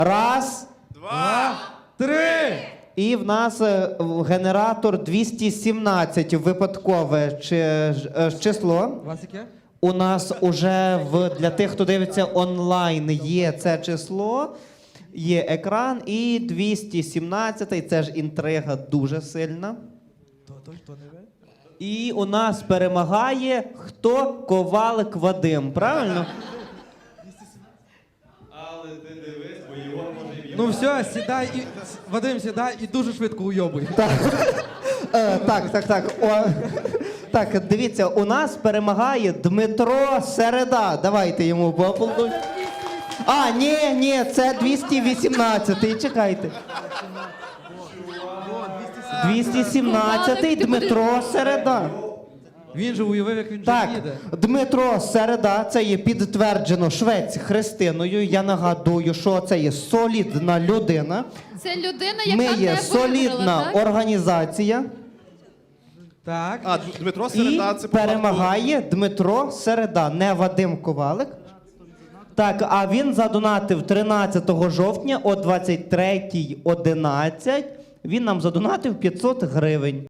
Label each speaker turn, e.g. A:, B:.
A: Раз.
B: Два. Три.
A: І в нас генератор 217 випадкове число.
B: У вас яке?
A: У нас уже для тих, хто дивиться онлайн, є це число, є екран, і 217, це ж інтрига дуже сильна.
B: Хто не ви?
A: І у нас перемагає хто? Ковалик Вадим, правильно?
C: Але ти дивись, бо його може і
B: Ну все, сідай і... Вадим, сідай і дуже швидко уйобуй.
A: Так, дивіться, у нас перемагає Дмитро Середа. Давайте йому поаплодуємо. А, ні, це 218-й, чекайте. 217-й Дмитро Середа.
B: Він же уявив, як він
A: Так,
B: же їде.
A: Дмитро Середа, це є підтверджено Швець Христиною. Я нагадую, що це є солідна людина.
D: Це людина, яка
A: Ми
D: не
A: є
D: виграла,
A: солідна
D: так?
A: організація.
B: Так.
C: А, Дмитро
A: І
C: Середа, це
A: перемагає Дмитро Середа, не Вадим Ковалик. Так, а він задонатив 13 жовтня о 23:11. Він нам задонатив 500 гривень.